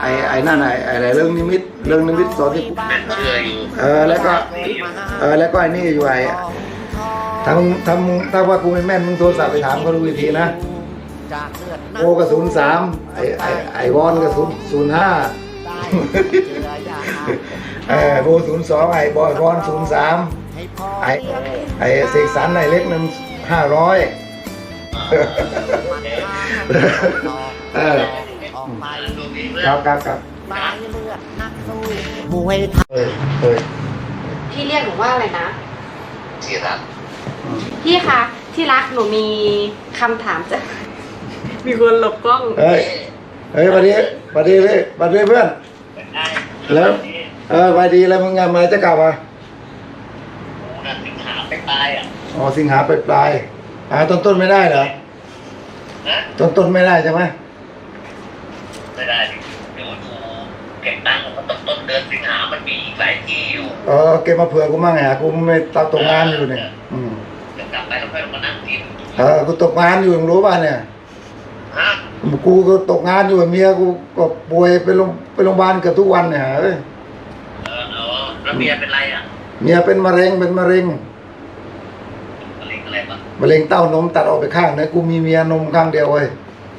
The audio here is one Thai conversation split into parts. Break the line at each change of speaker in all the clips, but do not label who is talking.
ไอ้นั่นไอ้เรื่องนิมิตตอนที่
แม่เชื่ออยู่
แล้วก็แล้วก็ไอ้นี่อยู่ถ้าว่ากูไม่แม่นมึงโทรศัพท์ไปถามเขาดูอีกทีนะโอกระสุน3ไอ้วอนกระสุน05โบ02ไอ้บอยวอน03ไอ้เสกสรรไอ้เล็กนั้น500ครับ
มวยไทย
พี่เรียกหนูว่าอะไรนะ
ที่รัก
พี่คะที่รักหนูมีคำถามจะมีคนหลบกล้อง
เฮ้ยบัดนี้เพื่อนแล้วบัดดีแล้วมึงงานมาจะกลับอ่ะ
สิงหาไปปลายอ่ะ
อ๋อสิงหาไปปลายต้นไม่ได้เหรอต้นไม่ได้ใช่ไหม
ไม่ได้เดี๋ยวดูเก็บตังค์ต้นเดือนสิงหามันมีอีกหลายที่อยู่
เก็บมาเผื่อกูมั่งไงกูไม่ตกงานอยู่เนี่ย
จะกลับไปแล้วค่อยมานั่งกิน
กูตกงานอยู่มึงรู้ป่ะเนี่ยกูก็ตกงานอยู่เมียกูก็ป่วยไปโรงพยาบาลเกือบทุกวันเนี่ย
แล้วเมียเป็นไรอ่ะ
เมียเป็นมะเร็ง
อะไรบ้าง
มะเร็งเต้านมตัดออกไปข้างนะกูมีเมียนมข้างเดียวเว้ย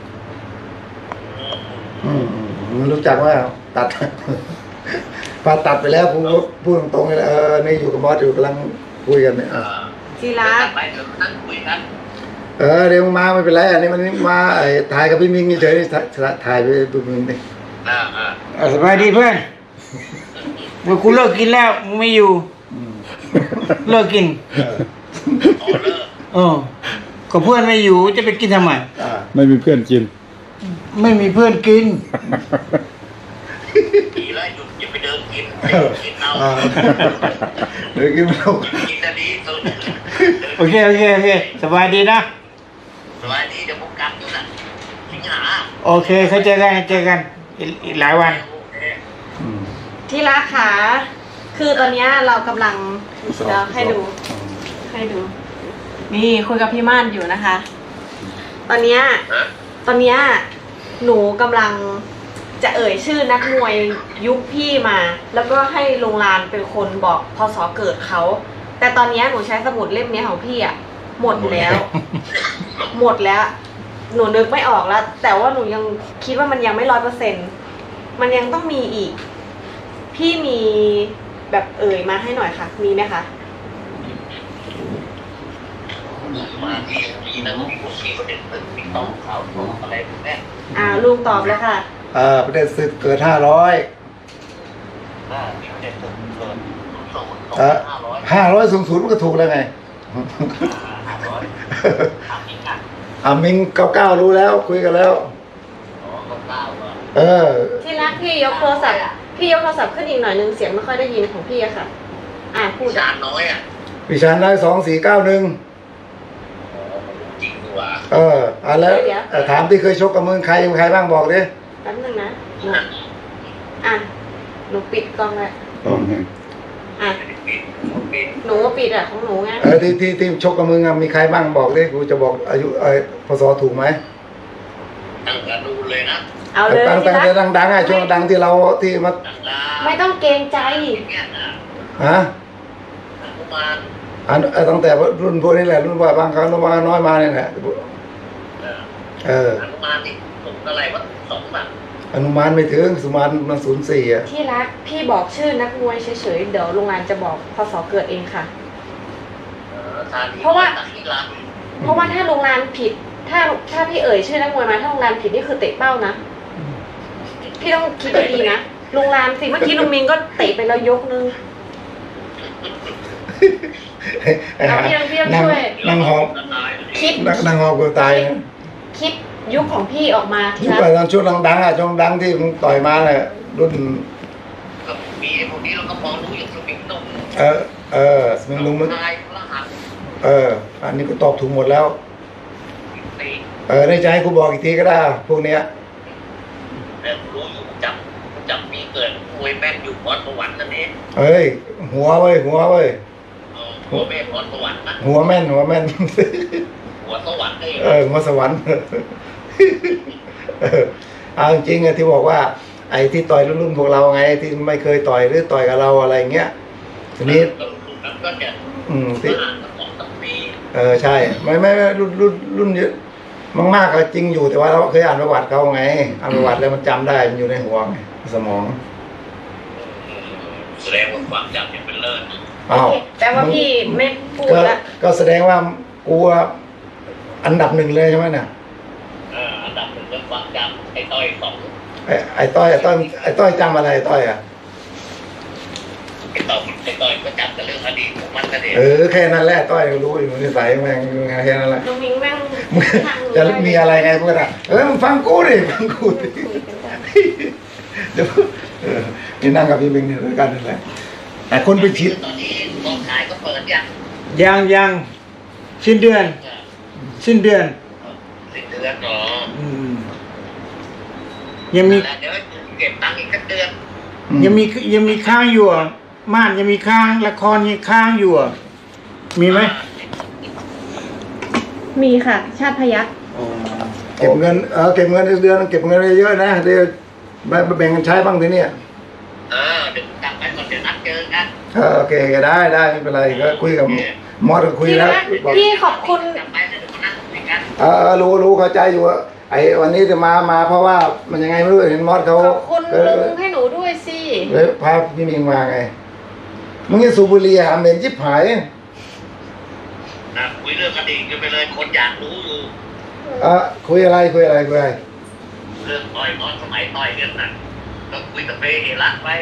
รู้จักว่าตัดพอตัดไปแล้วกูพูดตรงๆเลยนี่อยู่กับบอสอยู่กำลังคุยกันเนี่ย
จีรัก
ไปเดี๋ยวนั่งคุยกัน
เดี๋ยวมาไม่เป็นไรอันนี้มันมาถ่ายกับพี่มิงเฉยๆถ่ายไปพี่มิงดิ
สบายดีเพื่อนเมื่อกูเลิกกินแล้วมึงไม่อยู่เลิกกินก็เพื่อนไม่อยู่จะไปกินทำไม
ไม่มีเพื่อนกิน
ไม่มีเพื่อนกิน
ดีแล้วหยุดอย่าไปเดินกินเอา
เดินกินเอา
กินจะดีสุด
โอเคสบายดีนะ
สบายดีเดี๋ยวผมกลับอยู่นะสิงหา
โอเคเขาเจอกันอีกหลายวัน
ที่รักค่ะคือตอนนี้เรากำลังจะให้ดูนี่คุยกับพี่ม่านอยู่นะคะ ตอนเนี้ยหนูกำลังจะเอ่ยชื่อนักมวยยุคพี่มา แล้วก็ให้โรงงานเป็นคนบอกพศเกิดเขาแต่ตอนนี้หนูใช้สมุดเล่มนี้ของพี่หมดแล้ว หนูนึกไม่ออกแล้วแต่ว่าหนูยังคิดว่ามันยังไม่100%มันยังต้องมีอีกพี่มีแบบเอ่ยมาให้หน่อยค่ะมีไหมคะ
มาที่มีนะมีพวกที่ประเด็นตึกมีต้องข่าวอะไรพวกนี้
ลุงตอบเลยค่ะ
ประเด็นศึกเกิด500
มีประเด็นตึกเกิด
500สูงมันก็ถูกแล้วไงมิง99รู้แล้วคุยกันแล้ว
ที่รักพี่ยกโทรศัพท์ขึ้นอีกหน่อยนึงเสียงไม่ค่อยได้ยินของพี่อะค่ะพูด
ชาน้อย
พี่ชาน้อย2491
จริงดีว่
ะแล้วถามที่เคยชกกับมึงใครบ้างบอกดิ
แป๊บนึงนะหนูปิดกล้องแล้วหนูปิดของหนูไง
ที่ชกกับมึงมีใครบ้างบอกดิกูจะบอกอายุพศถูกไหม
ตั้งแต่ดูเลยนะ
เอาเลย
ตั้งแต่ดังช่วงดังที่เราที่มา
ไม่ต้องเกรงใจ
ตั้งแต่รุ่นพวกนี้แหละรุ่นว่าบางครั้งรุ่นว่าน้อยมาเนี่ยแหละ
อนุมานนี่ผมอะไรว่า2 บาท
อนุมานไม่ถึงสุมานมัน04
ที่รักพี่บอกชื่อนักมวยเฉยๆเดี๋ยวโรงงานจะบอกพศเกิดเองค่ะเพราะว่าถ้าโรงงานผิดถ้าพี่เอ่ยชื่อนักมวยมาถ้าโรงงานผิดนี่คือเตะเป้านะพี่ต้องคิดดีๆนะโรงงานสิเมื่อกี้ลุงมิงก็เตะไปแล้วยกนึงพี่ต้องช่วย
นั่งหอบ
คิด
นั่งหอบกูตาย
คิดยุคของพี่ออกมา
ยุคตอนช่วงดังช่วงดังที่มึงต่อยมาเลยรุ่น
มีพวกนี้เราก็พอรู้อย่างสมิงนุ่ม
สมิงนุ่มอันนี้กูตอบถูกหมดแล้วในใจกูบอกอีกทีก็ได้พวกเนี้ย
แต่รู้อยู่จับมีเกิดมวยแม่นอยู่พรสวรรค์นั่นเอง
หัวเว้ย
หัวแม่นพรสวรรค์นะ
หัวแม่น
หัวสวรรค์
หัวสวรรค์จริงๆที่บอกว่าไอ้ที่ต่อยรุ่นพวกเราไงที่ไม่เคยต่อยหรือต่อยกับเราอะไรเงี้ยทีนี้
นั้นก็จะ
ที่
อ่าน2 ปี
ใช่ไม่รุ่นเยอะมากๆก็จริงอยู่แต่ว่าเราเคยอ่านประวัติเขาไงอ่านประวัติแล้วมันจำได้มันอยู่ในหัวไงสมอง
แสดงว่าความจำยังเป็นเลิศ
อ้าว
แต่ว่าพี่ไม่พูดละ
ก็แสดงว่ากูอันดับหนึ่งเลยใช่ไหมเนี่ย
อันดับหนึ่งเรื่องความจำไอ้ต้อยสอง
ไอ้ต้อยจำอะไรไอ้ต้อยอ่ะ
ไอ้ต้อยก็จำแต่เรื่องอดีตของมันก็เด็
แค่นั้นแหละต้อยรู้อยู่นิสัยแม่งแค่นั้นแหละ
น้องมิงแม่ง
มึงจะมีอะไรไงพวกนั้นมึงฟังกูดิฟังกูดิเดี๋ยวนี่นั่งกับพี่เบงเนี่ยด้วยกันนั่นแหละแต่คนไปชิด
ตอนนี้กองถ่ายก็เปิดยัง
ยังสิ้นเดือน
สิ้นเดือนเนาะ
ยังมี
เดี๋ยวเก็บตังค์อีกสักเดือน
ยังมีค้างอยู่อ่ะม่านยังมีค้างละครยังค้างอยู่อ่ะมีไหม
มีค่ะ ชาติพยัคฆ์
เก็บเงินเก็บเงินเดือนเก็บเงินเยอะๆนะเดี๋ยวแบ่งกันใช้บ้างทีเนี้ย
เดี๋ยวกลับไปก่อนเดี๋ยวนัดเจอกัน
โอเคได้ไม่เป็นไรก็คุยกับมอสก็คุยแล้วบอก
พี่ขอบคุณ
กลับไปแล้วเดี๋ยวมานั่งคุยกัน
รู้เข้าใจอยู่ว่าไอ้วันนี้จะมาเพราะว่ามันยังไงไม่รู้เห็นมอสเขา
ขอบคุณลุงให้หนูด้วยสิ
เลยพาพี่มิงมาไงมึงจะสูบบุหรี่หาเหม็นชิบหาย
คุยเรื่องอดีตกันไปเลยคนอยากรู้อยู่
คุยอะไร
เรื่องต่อยมอสสมัยต่อยกันน่ะก็คุยกับเบย์เฮระไป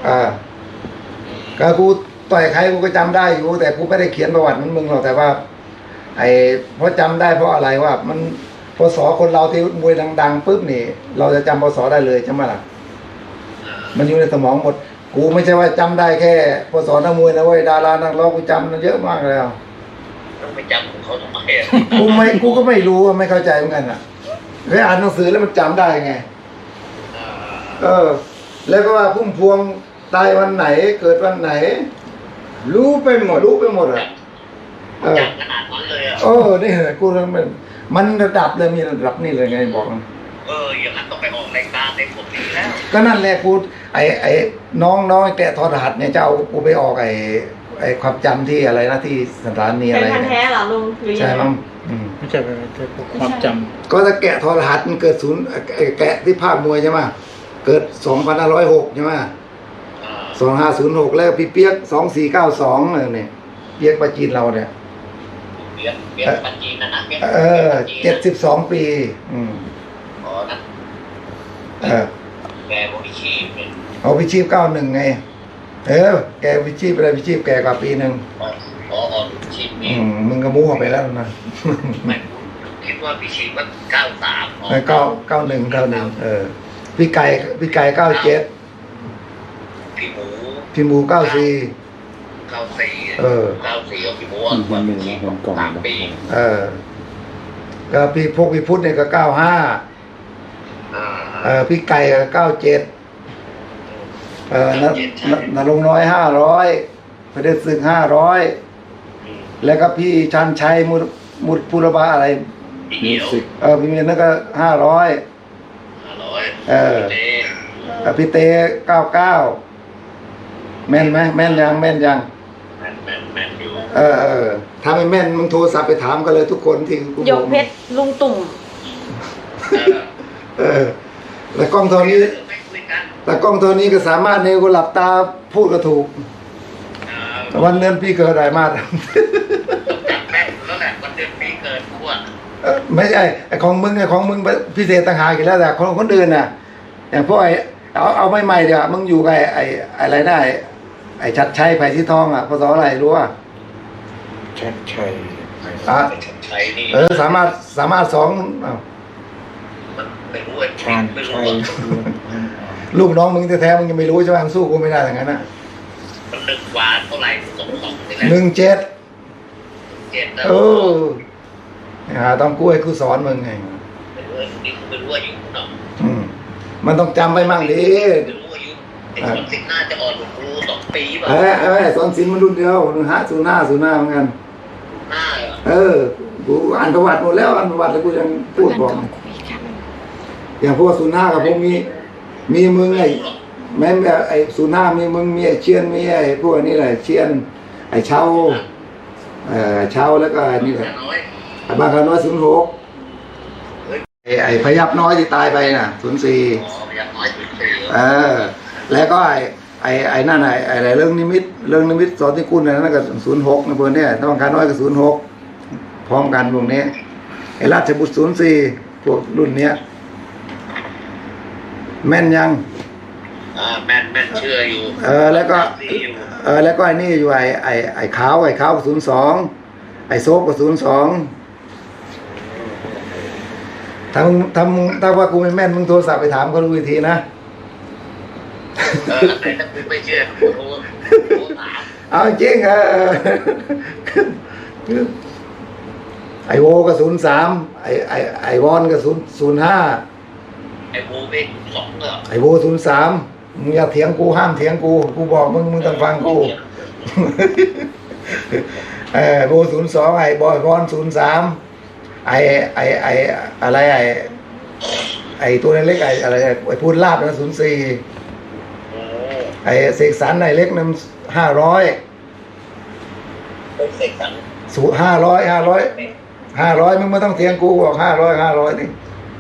ก็กูต่อยใครกูก็จำได้อยู่แต่กูไม่ได้เขียนประวัติเหมือนมึงหรอกแต่ว่า เพราะจำได้เพราะอะไรว่ามันพศคนเราที่มวยดังๆปุ๊บนี่ เราจะจำพศได้เลยใช่ไหมล่ะมันอยู่ในสมองหมดกูไม่ใช่ว่าจำได้แค่พศนักมวยนะเว้ยดารานักร้องกูจำเยอะมากแล้ว
ต้องไปจำของเขาทำไม
กูก็ไม่รู้ไม่เข้าใจเหมือนกันอ่ะเคยอ่านหนังสือแล้วมันจำได้ไงแล้วก็ว่าพุ่มพวงตายวันไหนเกิดวันไหน
รู้ไปหมด
อ่ะ
จำขนาดนั้นเลยอ่ะ
นี่เหรอกูมันระดับเลยมีระดับนี่เลยไงบอกนะ
อย่างนั้นต้องไปออกรายการในผมนี้แล้ว
ก็นั่นแหละกูไอ้น้องแกะทอดรหัสเนี่ยจะเอากูไปออกไอ้ความจำที่อะไรนะที่สถานี
เป็
อะไร
นพันธุ์แท้เหรอลุงหรือยั
ใช่
งไง
มั้ง
ไม่ใช่ความจ
ก็ถ้าแกะทอดรหัสมันเกิดแกะที่ภาคมวยใช่ไหมเกิด2506ใช่ไหม2506แล้วพี่เปียก2492เนี่ยเปียกปาจีนเราเนี่ย
เปียกปัจจีนนะเปียก
72 ปี
นะแกบริชีพเนี่ย
เอาพิชีพ91ไงแกพิชีพอะไรพิชีพแกกว่าปีหนึ่ง
ชีพนี่
มึงก็มั่วไปแล้วนะ
ไม่คิดว่าพิชีพว่า93
91พี่ไก่97พี่หมู94
94ของพี่หมู3 ปี
ก็พี่พุทธเนี่ยก็95พี่ไก่ก็97นรงค์น้อย500พระเดชศึก500แล้วก็พี่ชันชัยมุดพุรบาอะไร
พี่เหี่ยว
พี่เมียนนั่นก็500พี่เต้99แม่นไหมแม่นยัง
แม่นอยู่
ถ้าไม่แม่นมึงโทรศัพท์ไปถามกันเลยทุกคนที่กู
ยกเพชรลุงตุ่ม
แต่กล้องโทรนี้แต่กล้องโทรนี้ก็สามารถเนี่ยกูหลับตาพูดก็ถูกวันเดือนปีเกิดอะไรมา
จับแม่นแล้วแหละวันเดือนปีเกิดพวก
ไม่ใช่ไอ้ของมึงพิเศษต่างหากอีกแล้วแต่คนอื่นน่ะอย่างพวกเอาใหม่ๆเดี๋ยวมึงอยู่กับไอ้อะไรได้ไอ้ชัดชัยไผ่ที่ทองอ่ะพศอะไรรู้อ่ะ
ชัดชัย
ชัยนี่
สามารถสอง
มันไม่รู้
ชัดชัย
ลูกน้องมึงแท้ๆมึงยังไม่รู้ใช่ไหมมึงสู้กูไม่ได้อย่างนั้นนะ
มัน1 กว่าเท่าไหร่2นี่แหละ
17ต้องกู้ให้กูสอนมึงไง
ไม่รู้อายุเนาะ
มันต้องจำไปมั่งดิ
ไม่รู้อายุไอ้คนสิงห์น่าจะอ่อนกว่าครู2 ปีป่ะ
สอนศิลป์มันรุ่นเดียว05เหมือนกันกูอ่านประวัติหมดแล้วอ่านประวัติแล้วกูยังพูดบอกอย่างพวก05กับพวกนี้มีมึงแม่งไอ้สุนามีมึงมีไอ้เชียนมีไอ้พวกนี้แหละเชียนไอ้เชาเชาแล้วก็นี่แหละ
น้อย
ไอ้บางกะน้อย06ไอ้พยับน้อยที่ตายไปน่ะ04
อ๋อยังน้อยสุดเลย
แล้วก็ไอ้นั่นไอ้เรื่องนิมิตสอนที่คุณนั่นก็06นะเพื่อนเนี่ยถ้าบางกะน้อยก็06พร้อมกันพวกนี้ไอ้ราชบุตร04พวกรุ่นเนี้ยแม่นยัง
แม่นเชื่ออยู่
แล้วก็
อยู่
แล้วก็ไอ้นี่อยู่ไอ้ขาวก็02ไอ้โซฟก็02ถ้าว่ากูไม่แม่นมึงโทรศัพท์ไปถามเขาดูอีกทีนะ
ไหนถ้าคุณไม่เชื่อโทรถาม
เอาจริงไอโวก็03ไอวอนก็05
ไอ้โบเป็น2เหรอ
ไอโว03มึงอย่าเถียงกูห้ามเถียงกูบอกมึงต้องฟังกูโว02ไอบอยวอน03ไออะไรไอตัวเล็กอะไรไอพูดลาบนะ04ไอเสกสรรไอเล็กนั้น500
เป็นเสกสรร
500มึงไม่ต้องเถียงกูบอก500นี่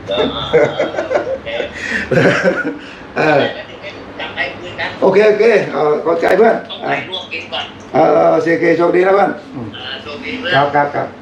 จำได้คุยกัน
โอเคขอบใจเพื่อน
ต้องไปลวกกินก่อน
โอเคโชคดีนะเพื่อน
โชคดีเพื่อน
ครับ